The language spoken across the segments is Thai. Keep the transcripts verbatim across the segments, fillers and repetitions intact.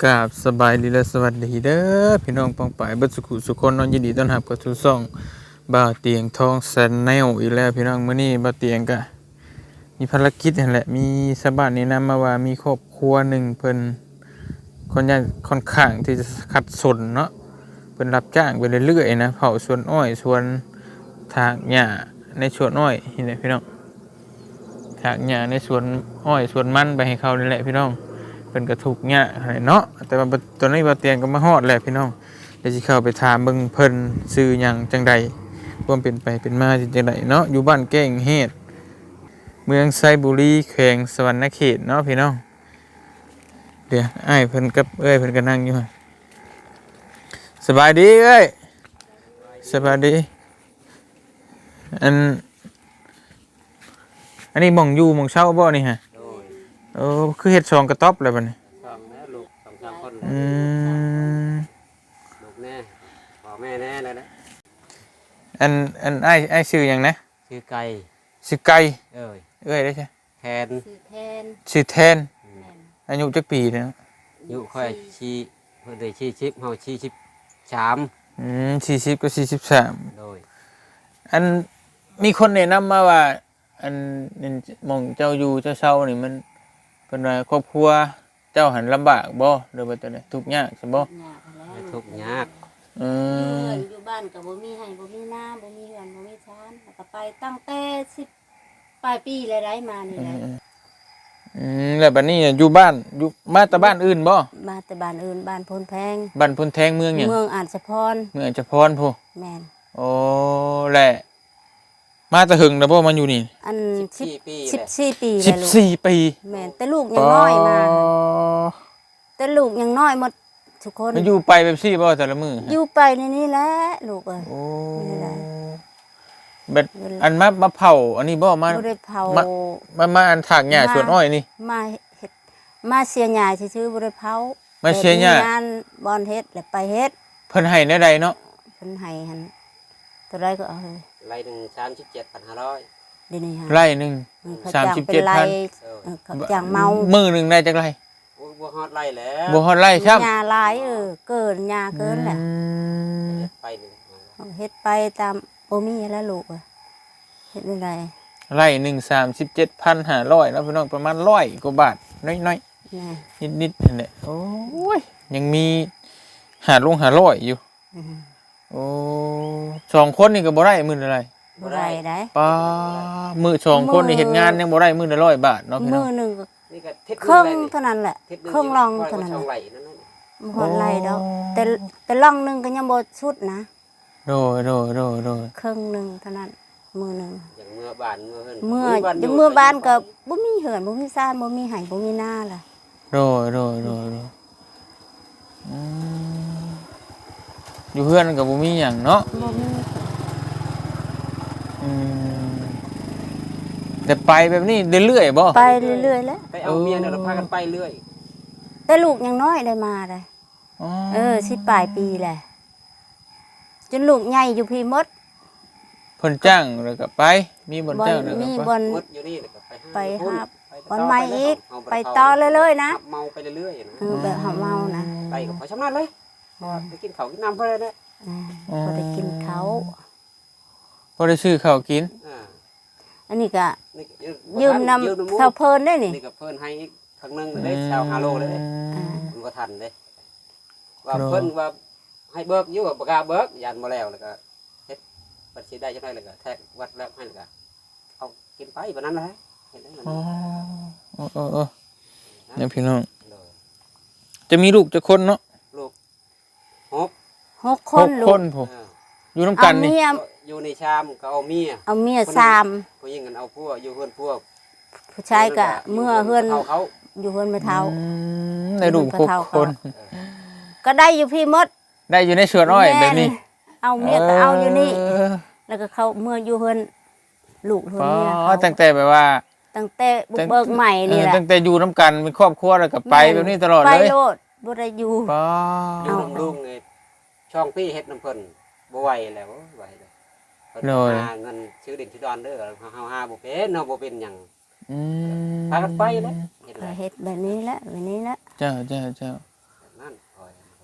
กราบสบายดีและสวัสดีเด้อพี่น้องปองปายเบิดสุขุสุคนน้องยินดีต้อนรับกับทุกซ่องบ่าวเตียงทองแซนแนลอีกแล้วพี่น้องมื้อนี้บ่าวเตียงก็มีภารกิจนั่นแหละมีชาวบ้านแนะนำมาว่ามีครอบครัวหนึ่งเพิ่นคนยากค่อนข้างที่จะขัดสนเนาะเพิ่นรับจ้างไปเรื่อยๆนะเผาสวนอ้อยสวนถากหญ้าในสวนอ้อยนี่แหละพี่น้องถากหญ้าในสวนอ้อยสวนมันไปให้เขานี่แหละพี่น้องเป็นกระทุกเนี่ยเนาะแต่ว่าตัวนี้บ่เตียงก็มาฮอดแหละพี่น้องเดี๋ยวสิเข้าไปถามเบิ่งเพิ่นชื่อหยังจังใดความเป็นไปเป็นมาจังไดเนาะอยู่บ้านแก้งเฮ็ดเมืองไซบุรีแขวงสวรรณเขตเนาะพี่น้องเดี๋ยวอ้ายเพิ่นกับเอ้ยเพิ่นก็นั่งอยู่สบายดีเอ้ยสบายดีอันอันนี้หม่องอยู่หม่องเช่าบ่นี่ฮะโอ้คือเฮ็ดซองกระต๊อบแล้วบัดนี้สองแม่ลูกสองสามคนอืมลูกแน่พ่อแม่แน่เลยนะอันอันอ้ายอ้ายชื่อหยังนะชื่อไก่ชื่อไก่เอ้ยเอ้ยได้ใช่แทนชื่อแทนชื่อแทนอายุจักปีเนาะอายุค่อยชีเพิ่นได้ชีชิปเฮาชีชิปสามอืมสี่สิบกับสี่สิบสามโดยอันมีคนแนะนำมาว่าอันนี่หม่องเจ้าอยู่เจ้าเช่านี่มันเป็นว่าครอบครัวเจ้าหันลำบากบ่หรือว่าจังไดทุกข์ยากใช่บ่ยากแล้วทุกข์ยากอืมเฮือนอยู่บ้านก็บ่มีให้บ่มีน้ำบ่มีเฮือนบ่มีชานแล้วก็ไปตั้งแต่สิบปลายปีแล้วได้มานี่แหละอืมแล้วบัดนี้อยู่บ้านอยู่มาแต่บ้านอื่นบ่มาแต่บ้านอื่นบ้านพลแพงบ้านพลแทงเมืองหยังเมืองอาจสะพรเมืองอาจจะพรพุแม่นโอ้แหละมาแต่หึงแล้วบ่มาอยู่นี่อันสิบสี่ปีสิบสี่ปีสิบแล้วลูกสี่ปีแม่นแต่ลูกยังน้อยมาแต่ลูกยังน้อยหมดทุกคนมันอยู่ไปแบบซี่บ่แต่ละมื้ออยู่ไปในนี้แหละลูกเอ้ยโอ้นี่แหละเบ็ดอันมามาเผาอันนี้บ่มาบ่ได้เผามามาอันถากหญ้าสวนอ้อยนี่มาเฮ็ดมาเสียหญ้าซื่อๆบ่ได้เผามาเสียหญ้างานบอนเฮ็ดแล้วไปเฮ็ดเพิ่นให้แนวใดเนาะเพิ่นให้หั่นเท่าไรก็เอาเฮ้ยไร่หนึ่งสามสิบเจ็ดพันห้าร้อยเดี๋ยวนี้ฮะไร่หนึงสามสิบเจ็ดพันเขาจ้างเมามื้อหนึงได้จักไร่บ่ฮอดไร่แล้วบ่ฮอดไร่ครับหญ้าหลายเออเกินหญ้าเกินแหละไปหนึ่งเฮ็ดไปตามบ่มีแล้วลูกเอ้ยเฮ็ดได้ไร่หนึ่ง สามสิบเจ็ดพันห้าร้อยเนาะพี่น้องประมาณร้อยกว่าบาทน้อยๆนิดๆนั่นแหละโอ้ยยังมีหาลงห้าร้อยอยู่โอ้สองคนนี่ก็บ่ได้มื้อละไรบ่ได้ได้ป้ามื้อสองคนนี่เฮ็ดงานยังบ่ได้มื้อละร้อยบาทเนาะพี่น้องมื้อนึงก็นี่ก็เฮ็ดครึ่งเท่านั้นแหละครึ่งรองเท่านั้นบ่ฮอดไร่ดอกแต่แต่รองนึงก็ยังบ่สุดนะโดยๆๆๆครึ่งนึงเท่านั้นมื้อนึงอย่างเมื่อบ้านเมื่อเฮือนเมื่ออย่างเมื่อบ้านก็บ่มีเหือนบ่มีซ่านบ่มีไห้บ่มีนาล่ะโดยๆๆอืมอยู่เฮือนก็บ่มีหยังเนาะบ่มีอืมแต่ไปแบบนี้เรื่อยๆบ่ไปเรื่อยๆแล้วไปเอาเมียเนี่ยเราพากันไปเรื่อยแต่ลูกยังน้อยได้มาได้เออสิปลายปีแหละจนลูกใหญ่อยู่พี่มดเพิ่นจ้างแล้วก็ไปมีบ่นจ้างแล้วก็มีไปบ่นอยู่นี่แล้วก็ไปไปหาบ่นใหม่อีกไปต่อเลยๆนะเมาไปเรื่อยๆนะเออแบบหาเมานะไปก็พอชำนาญเลยพอไปกินข้าวกินน้ำเพิ่นเลยพอได้กินเขาพอได้ซื้อข้าวกินอันนี้ก็ยืมนำชาวเพลินได้นี่นี่ก็เพิ่นให้อีกครั้งนึงได้ชาวฮาโลเลยมันก็ทันเด้ว่าเพิ่นว่าให้เบิกอยู่กับบ่กล้าเบิกยันบ่แล้วแล้วก็เฮ็ดบัญชีได้จังได๋แล้วก็แทกวัดแล้วให้แล้วก็เอากินไปบัดนั้นแหละเฮ็ดได้นั่นอ๋อๆๆเนี่ยพี่น้องจะมีลูกจักคนเนาะลูกหกหกคนลูกคนพุ่นอยู่นำกันนี่อยู่ในชามก็เอาเมียเอาเมียสามผู้หญิงกันเอาผัวอยู่เฮือนผัวผู้ชายก็เมื่อเฮือนอยู่เฮือนแม่เฒ่าได้ลูกหกคนก็ได้อยู่พี่มดได้อยู่ในสวนอ้อยแบบนี้เอาเมียก็เอาอยู่นี่แล้วก็เขาเมื่ออยู่เฮือนลูกเฮือนเมียเขาตั้งแต่แบบว่าตั้งแต่บุกเบิกใหม่นี่แหละตั้งแต่อยู่นำกันเป็นครอบครัวแล้วก็ไปแบบนี้ตลอดเลยไปโลดบ่ได้อยู่อยู่นำลุงไงช่องพี่เฮ็ดน้ำเพิ่นบ่ไหวแล้วไหวแล้วเพิ่นหาเงินซื้อดินซื้อดอนเด้อเฮาหาบ่เป็นเนาะบ่เป็นหยังอืมพากันไปแล้วเฮ็ดเฮ็ดแบบนี้แหละแบบนี้แหละเจ้าเจ้าเจ้า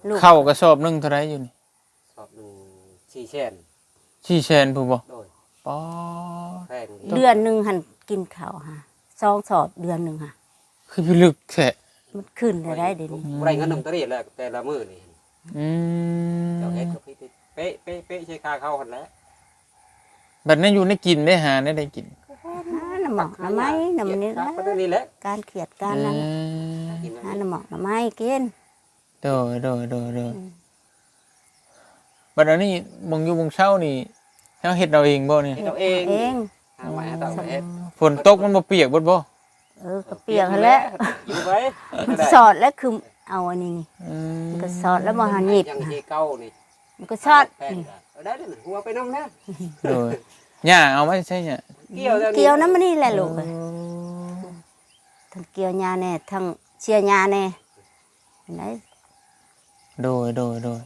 ลูกเข้ากระสอบหนึงเท่าไหร่อยู่นี่สอบหนึ่งสี่แสนสี่แสนผู้บ่โดยป๊อแพงเดือนหนึงหันกินข้าวฮะสองสอบเดือนหนึงฮะคือพิลึกแท้มันขึ้นได้ได้เดี๋ยวนี้บ่ได้เงินนำตรีแล้วแต่ละมื้อนี่อืมเจ้าเฮ็ดก็พี่เป๊ะเป๊ะเป๊ะใช้ค่าเข้าหั่นแหละบัดนั้นอยู่ในกินได้หาได้ได้กินหาน้ำหมอกน้ำไม้น้ำนี้ครันะบก็นี่แหละการเขียดการนั้นเออกินหาน้ำหมอกน้ำไม้กินโดยโดยโดยโดยบัดอันนี้บงอยู่บงเช้านี่เฮาเฮ็ดเอาเองบ่เนี่ยเฮ็ดเอาเองเองหาไว้ให้ต่อเฮ็ดฝนตกมันบ่เปียกเบิดบ่เออก็เปียกหั่นแหล้วอยู่ไว้มันสอดแล้วคือเอาอันนี้นี่อืมมันก็สอดแล้วมาหันหยิบยังนะที่เก่านี่มันก็สอดแพงนี่เอาได้เด้อหัวไปนำนะโดยหญ้าเอามาใช่หญ้าเกี่ยวแล้วเกี่ยวน้ำมันนี่แหละลูกเอ้ยทั้งเกี่ยวยาแน่ทั้งเชียร์ยาแน่เห็นไหมโดยโดยโดย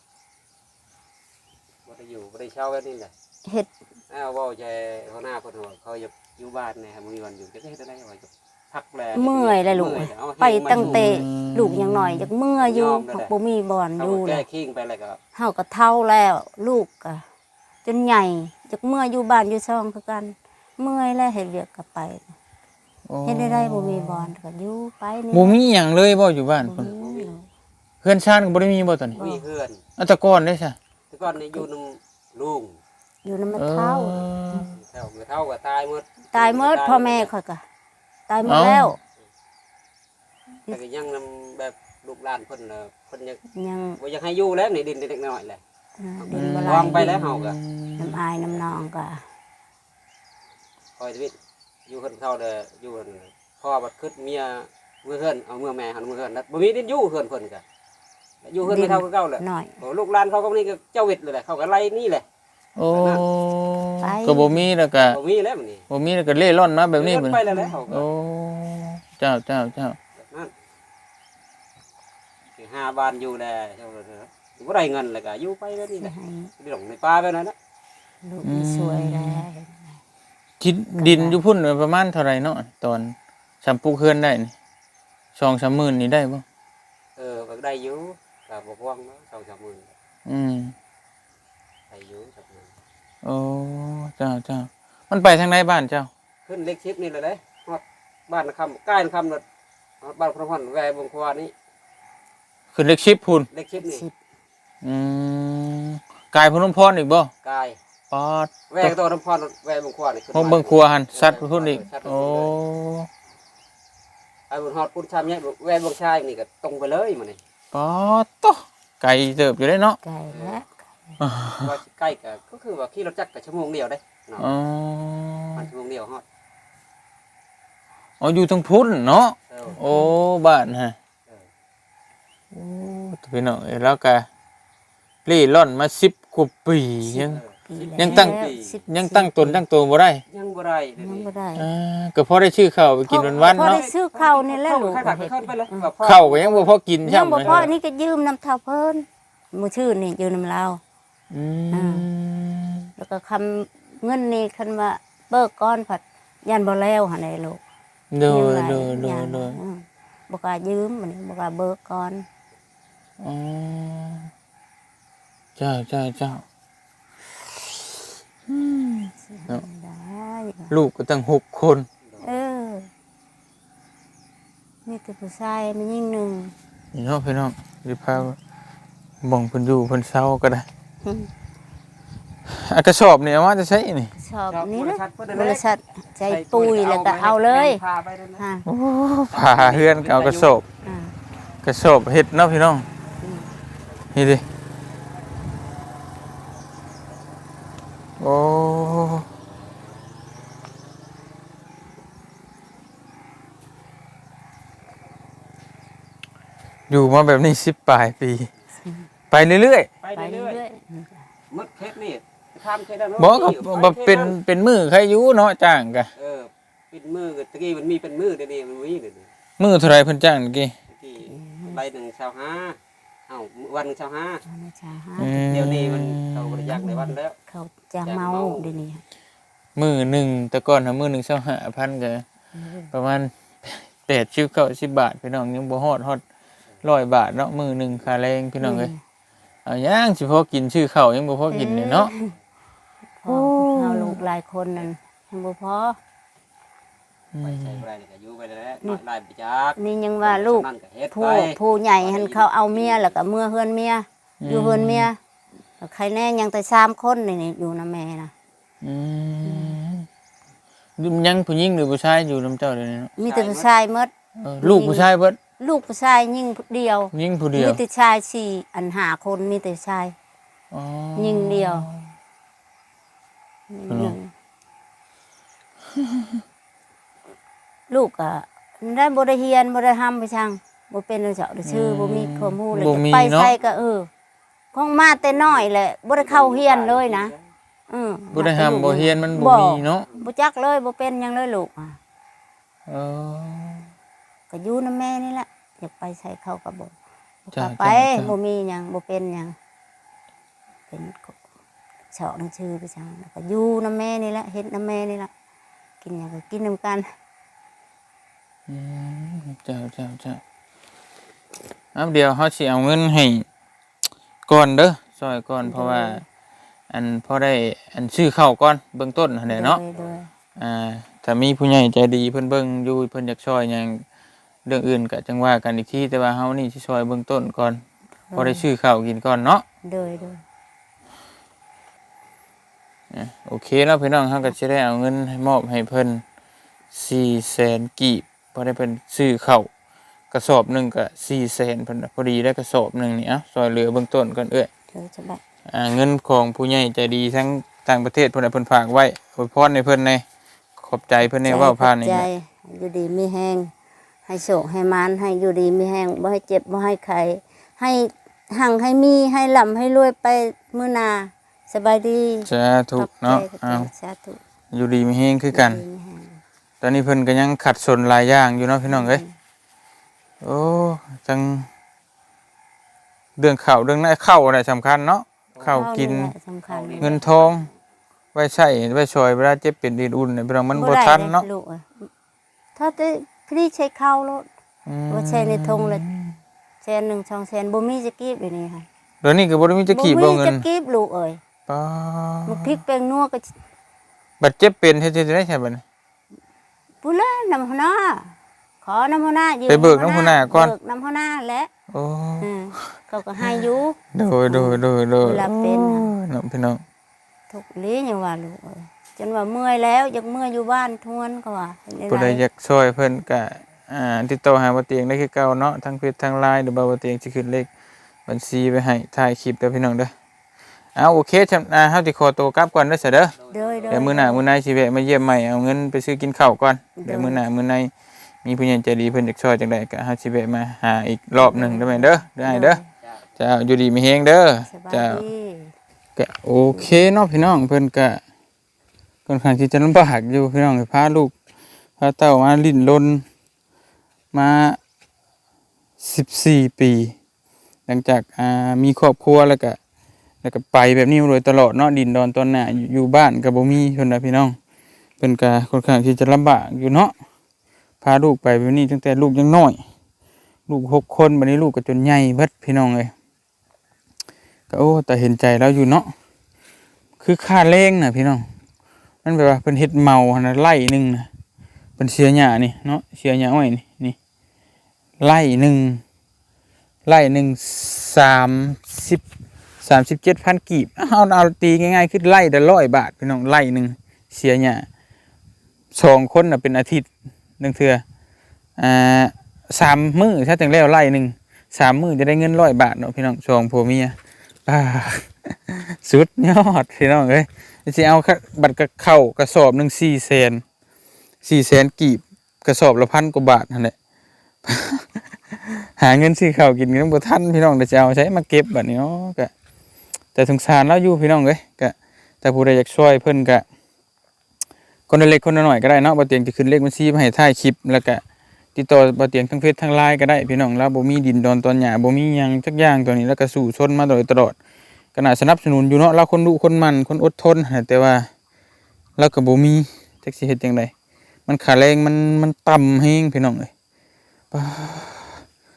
บ่ได้อยู่บ่ได้เช่ากันนี่แหละเฮ็ดอ้าวเว้าใจหัวหน้าเพิ่นว่าเขาอยากอยู่บ้านแหน่บ่มีวันอยู่จะเฮ็ดได้ว่าจะพักแลเมื่อยเลยลูกเอ้ยไปตั้งแต่ลูกยังหน่อยจากเมื่อยอยู่บ่มีบ่อนอเขายู่เลแก้ยคิงไปแล้วก็เฮาก็เท่าแล้วลูกก็จนใหญ่จากเมื่อยอยู่บ้านอยู่ซ่องคือกัน เมื่อยแล้วเฮ็ดเวียกก็ไปโอ้เฮ็ดได้ได้บ่มีบ่อนก็อยู่ไปนี่บ่มีหยังเลยบ่อยู่บ้านบ่เพิ่นมีเพื่อนชาติก็บ่ได้มีบ่ตอนนี้มีเพื่อนอัตะกอนได้ซะแต่ก่อนนี่อยู่นำลุงอยู่นำเอเท่าอเท่าเท่าก็ตายหมดตายหมดพ่อแม่ข่อยก็ตายหมดแล้วแต่ก็ยังนำแบบลูกหลานเพิ่นน่ะเพิ่นยังยังบ่อยากให้อยู่แล้วนี่ดินเล็กๆน้อยๆแหละเอ่อดินบ่ไหลวางไปแล้วเฮาก็น้ำอายน้ำนองก็คอยชีวิตอยู่เพิ่นเข้าเด้ออยู่เพิ่นพ่อบัดคึดเมียเมื่อเฮือนเอาเมื่อแม่หันเมื่อเฮือนแล้วบ่มีดินอยู่เฮือนเพิ่นก็อยู่เฮือนไม่เท่าคือเก่าแหละหน่อยโอ้ลูกหลานเขาก็นี่ก็เจ้าเวทเลยแหละเขาก็ไล่นี่แหละโอ้ไปก็บ่มีแล้วก็บ่มีแล้วมันนี่บ่มีแล้วก็เล่ร่อนมาแบบนี้เดิเพิ่นไปแล้วแหละเขาก็โอ้เจ้าเจ้าเจ้าแบบนั้นคือหาบ้านอยู่แลเจ้าเด้อบ่ได้เงินแล้วก็อยู่ไปแบบนี้แหละให้ไปหลงในป่าแบบนั้นนะลูกมีสวยแล้วทิศดินอยู่พุ่นประมาณเท่าไหร่เนาะตอนสามปลูกเฮือนได้นี่สองสามหมื่นนี่ได้บ่เออก็ได้อยู่ก็บ่กว้างเนาะสองสามหมื่นอืมได้อยู่สักหมื่นโอ้เจ้าเจ้ามันไปทางไหนบ้านเจ้าขึ้นเล็กชิปนี่เลยเด้ฮอดบ้านนะคำใกล้นะคำรถฮอดบ้านพระพรแวบงควานี่ขึ้นเล็กชิปพุ่นเล็กชิปนี่สิบอืมกายพนมพรอีกบ่กายปอดแวกตัวน้ำพรแวบงควานี่ขึ้นพวกเบิ่งครัวหันสัตว์พุ่นอีกสัตว์โอ้ไอ้บุญฮอดพุ่นชามเนี่ยแวบงชายนี่ก็ตรงไปเลยมันนี่ปอดโตไก่เติบอยู่ได้เนาะไก่แล้วว่าใกล้ก็ก็คือว่าขี่รถจักรก็ชั่วโมงเดียวได้เนาะอ๋อมันชั่วโมงเดียวฮอดอ๋ออยู่ทางพุ่นเนาะเออโอ้บ้านฮะเออโอ้พี่น้องเอ้ยแล้วก็เล่ร่อนมาสิบกว่าปียังเออปียังตั้งแล้วสิบยังตั้งตนตั้งตัวบ่ได้ยังบ่ได้เดี๋ยวยังนี้บ่ได้อ่าก็พอได้ชื่อข้าวไปกินวันๆพอเนาะได้ซื้อข้าวนี่แหละลูกข้าวผัดก็เข้าไปเลยแบบพ่อข้าวก็ยังบ่พอกินยัใช่งไหมบ่พออันนี้ก็ยืมน้ำเท่าเพิ่นมือชื่อนี่ยืมน้ำเราอืมแล้วก็คำเงินนี่คันว่าเบิกก้อนผัดยันบ่แล้วหั่นไอ้ลูกโดยยังไงโดยโดยยันโดยอืมบ่กล้ายืมมันบ่กล้าเบิกก่อนอ๋อเจ้าเจ้าเจ้าอืม เนาะได้ลูกก็ตั้งหกคนเออมีแต่ผู้ชายมันยิ่งหนึ่งนี่เนาะพี่น้องหรือพาบ่องเพิ่นอยู่เพิ่นเศร้าก็ได้อืมอากระสอบนี่เอามาจะใช้นี่ชอบชอบนี่บนะริษัทเพิ่นบนั่นแหริละษัทใจปุยแล้วก็เอาเลยพาไปนั่นแหละฮะโอ้ผ่าเฮือนก็เอากระสอบอ่ากระสอบเฮ็ดเนาะพี่น้องนี่ดิโอ้อยู่มาแบบนี้สิบปลายปี ไปเรื่อยไปไปเรื่อยเรื่อยๆมึดเพชรนี่ทำเคสได้ๆบอกกับบ่เป็นเป็นมือใครอยู่เนาะจ้างกะเออเป็นมือตะกี้มันมีเป็นมือเดี๋ยวนี้มันมีเดี๋ยวนี้มือเท่าไรเพิ่นจ้างเมื่อกี้ตะกี้ใบหนึ่งชาวห้าเอ้าวันหนึ่งชาวห้าเอาไม่ใช่ฮะอืมเดี๋ยวนี้มันเขาบริจาคในวันแล้วเขาจะเมาเดี๋ยวนี้มือหนึ่งแต่ก่อนหามือหนึ่งเท่าห้าพันก็ประมาณแปดชิบเก้าสิบบาทพี่น้องยังบ่ฮอดฮอดร้อยบาทเนาะมื้อหนึงค่าแรงพี่น้องเอ้ยเอาย่างสิพอกินชื่อข้าวยังบ่พอกินเลยเนาะพอเอาลูกหลายคนนั่นยังบ่พอไปใช้บ่ได้นี่ก็อยู่ไปแล้วน้อยลายไปจักนี่ยังว่าลูกนั่นก็เฮ็ดผู้ไปผู้ใหญ่หันเขาเอาเมียแล้วก็เมื่อเฮือนเมียอยู่เฮือนเมียแล้วใครแน่ยังแต่สามคนนี่นี่อยู่นะแม่นะอืมยังผู้หญิงหรือผู้ชายอยู่นำเจ้าเดี๋ยวนี้เนาะมีแต่ผู้ชายหมดเออลูกผู้ชายเบิดลูกผู้ชายยิ่งเดียวยิงผู้เดียวมีแต่ชายสี่อันหาคนมีแต่ชายอ๋อยิงเดียวอ๋อลูกอ่ะได้บ่ได้เฮียนบ่ได้ทำไปช่างบ่เป็นเจ้าได้ชื่อบ่มีความรู้เลยจะไปใส่ก็เออคงมาแต่น้อยแหละบ่ได้เข้าเฮียนเลยนะอือบ่ได้ห้ามบ่เฮียนมันบ่มีเนาะบ่จักเลยบ่เป็นหยังเลยลูกอ่ะเออก็อยู่นำแม่นี่แหละอยากไปใส่เขาก็บ่จ้ะก็ไปจ้ะจ้ะบ่มีหยังบ่เป็นหยังเป็นเฉาะหนังชื่อไปช่างแล้วก็อยู่นำแม่นี่แหละเฮ็ดนำแม่นี่แหละกินหยังก็กินนำกันอืมเจ้าเจ้าเจ้าเอาเดี๋ยวเฮาสิเอาเงินให้ก่อนเด้อซอยก่อนเพราะว่า อันพอได้อันซื้อข้าวก่อนเบื้องต้นหั่นแหละเนาะโดยอ่าถ้ามีผู้ใหญ่ใจดีเพิ่นเบิ่งอยู่เพิ่นอยากช่วยหยังเรื่องอื่นก็จังว่ากันอีกทีแต่ว่าเฮานี่สิช่วยเบื้องต้นก่อนพอได้ซื้อข้าวกินก่อนเนาะโดยโดยอ่ะโอเคเนาะพี่น้องเฮาก็สิได้เอาเงินให้มอบให้เพิ่น สี่แสน กีบพอได้เพิ่นซื้อข้าวกระสอบหนึงก็ สี่แสน เพิ่นน่ะพอดีได้กระสอบหนึงนี่เอ้าช่วยเหลือเบื้องต้นก่อนเอ้ยเธอจะแบบอ่าเงินของผู้ใหญ่ใจดีทั้งต่างประเทศเพิ่นน่ะเพิ่นฝากไว้อวยพรให้เพิ่นในขอบใจเพิ่นในเว้าผ่านนี่ใจนะอยู่ดีมีแห้งให้โศกให้มานให้อยู่ดีมีแห้งบ่ให้เจ็บบ่ให้ไข้ให้หั่งให้มีให้ลำให้รวยไปมื้อหน้าสบายดีสาธุเนาะขอบใจอ้าวสาธุอยู่ดีมีเฮงคือกันอยู่ดีมีแห้งตอนนี้เพิ่นก็ยังขัดสนหลายอย่างอยู่เนาะพี่น้องเอ้ยโอ้จังเรื่องข้าวเรื่องนั้นข้าวน่ะสำคัญเนาะข้าวกินแหละสำคัญเงินทองไว้ใช้ไว้ช่วยเวลาเจ็บเป็นดีอุ่นเนี่ยพี่น้องมันบ่ทันเนาะลูกอ้ยถ้าได้พรีใช้ข้าวโลดอืมว่าใช้ในธงเลยแสนหนึ่งสองแสนบ่มีจะกีบอยู่นี่ค่ะเดี๋ยวนี้ก็บ่ได้มีจะกีบบ่มีเงินจะกีบลูกเอ้ยป้ามันพริกแป้งนัวก็บัดเจ็บเป็นเฮ็ดจะได้ใช่บัดนี้ปุละน้ำหัวหน้าขอน้ำหัวหน้ายืมไปเบิกน้ำหัวหน้าก่อนเบิกน้ำหัวหน้าแหละโอ้เออเขาก็ให้อยู่โดยโดยโดยโดยเวลาเป็นน่ะโอ้ยน้องพี่น้องทุกลี้อย่างว่าลูกเอ้ยจนว่าเมื่อยแล้วอยากเมื่อยอยู่บ้านทวนก็ว่าเป็นผู้ใดไรอยากช่วยเพิ่นก็อ่าติดต่อหาบ่เตียงได้คือเก่าเนาะทั้งเฟซทั้ง ไลน์ หรือบ่าบ่เตียงสิขึ้นเลขบัญชีไว้ให้ถ่ายคลิปเด้อพี่น้องเด้อเอาโอเคจำอ่าเฮาสิขอตัวกลับก่อนเด้อเสยเด้อโดยโดยเดี๋ยวมื้อหน้ามื้อในสิแวะมาเยี่ยมใหม่เอาเงินไปซื้อกินข้าวก่อนเดี๋ยวมื้อหน้ามื้อในมีผู้ใหญ่ใจดีเพิ่นอยากช่วยจังไดก็เฮาสิแวะมาหาอีกรอบหนึงได้ไหมเด้อได้เด้อเจ้าอยู่ดีมีแฮงเด้อสบายเจ้าดีก็โอเคเนาะพี่น้องเพิ่นก็ค่อนข้างที่จะลำบากอยู่พี่น้องพาลูกพาเต้ามาลิ้นรนมาสิบสี่ปี หลังจากอ่ามีครอบครัวแล้วก็แล้วก็ไปแบบนี้มาโดยตลอดเนาะดินดอนตอนหน้าอยู่อยู่บ้านก็บ่มีเพิ่นน่ะพี่น้องเพิ่นก็ค่อนข้างที่จะลำบากอยู่เนาะพาลูกไปแบบนี้ตั้งแต่ลูกยังน้อย ลูกหกคนบัดนี้ลูกก็จนใหญ่เบิดพี่น้องเอ้ยก็โอ้แต่เห็นใจแล้วอยู่เนาะคือค่าแรงน่ะพี่น้องมันแบบว่าเพิ่นเฮ็ดเมาหั่นน่ะไร่หนึงน่ะเพิ่นเสียหญ้านี่เนาะเสียหญ้าอ้อยนี่นี่ไร่หนึงไร่หนึงสามสิบ สามสิบเจ็ดพัน กีบเอาเอาตีง่ายๆคือไร่ละร้อยบาทพี่น้องไร่หนึงเสียหญ้าสองคนน่ะเป็นอาทิตย์หนึงเทื่ออ่าสามมื้อถ้าถึงแล้วไร่หนึงสามมื้อจะได้เงินร้อยบาทเนาะพี่น้องสองผัวเมียอ่า สุดยอดพี่น้องเอ้ยสิเอาบัตรกระเข้ากระสอบหนึงสี่แสนสี่แสนกีบกระสอบละพันกว่าบาทนั่นแหละ หาเงินซื้อข้าวกินกันบ่ทันพี่น้องเดี๋ยวจะเอาใช้มาเก็บบัดนี้เนาะก็แต่สงสารเราอยู่พี่น้องเอ้ยก็แต่ผู้ใดอยากช่วยเพิ่นก็คนละเล็กคนละน้อยก็ได้เนาะบ่เตียงจะขึ้นเลขบัญชีมาให้ถ่ายคลิปแล้วก็ติดต่อบ่เตียงทั้งเฟซทั้ง ไลน์ ก็ได้พี่น้องเราบ่มีดินดอนตอนหญ้าบ่มีหยังจักอย่างตัวนี้แล้วก็สู้ชนมาโดยตลอดก็น่าสนับสนุนอยู่เนาะเราคนดุคนมันคนอดทนแต่ว่าเราก็บ่มีจักสิเฮ็ดจังไดมันค่าแรงมันมันต่ำแฮงพี่น้องเอ้ยป้า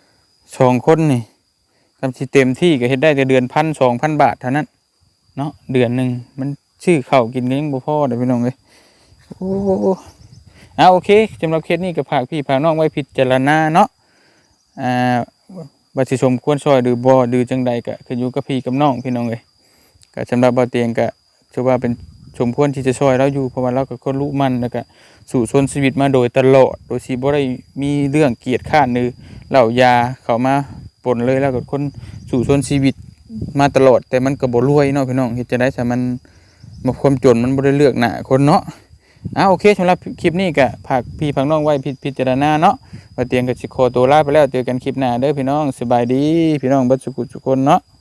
สองคนนี่กำสิเต็มที่ก็เฮ็ดได้แต่เดือนพันสองพันบาทเท่านั้นเนาะเดือนหนึ่งมันชื่อข้าวกินก็ยังบ่พอเด้อพี่น้องเอ้ยโอ้เอาโอเคสำหรับเคสนี้ก็ฝากพี่ฝากน้องไว้พิจารณาเนาะอ่าว่าสิสมควรซอยหรือบ่หรือจังใดก็ขึ้นอยู่กับพี่กับน้องพี่น้องเอ้ยก็สำหรับบ่าวเตียงก็ถือว่าเป็นสมควรที่จะซอยเราอยู่เพราะว่าเราก็คนรู้มันแล้วก็สู่ชนชีวิตมาโดยตลอดโดยที่บ่ได้มีเรื่องเกียดข้านหรือเหล่ายาเข้ามาปนเลยแล้วก็คนสู่ชนชีวิตมาตลอดแต่มันก็บ่รวยเนาะพี่น้องเฮ็ดจังได๋ซะมันบ่ความจนมันบ่ได้เลือกหน้าคนเนาะอ่าโอเคสำหรับคลิปนี้ก็ฝากพี่ฝากน้องไว้พิจารณาเนาะว่าเตียงก็สิขอตัวลาไปแล้วเจอกันคลิปหน้าเด้อพี่น้องสบายดีพี่น้องเบิดสุขทุกคนเนาะ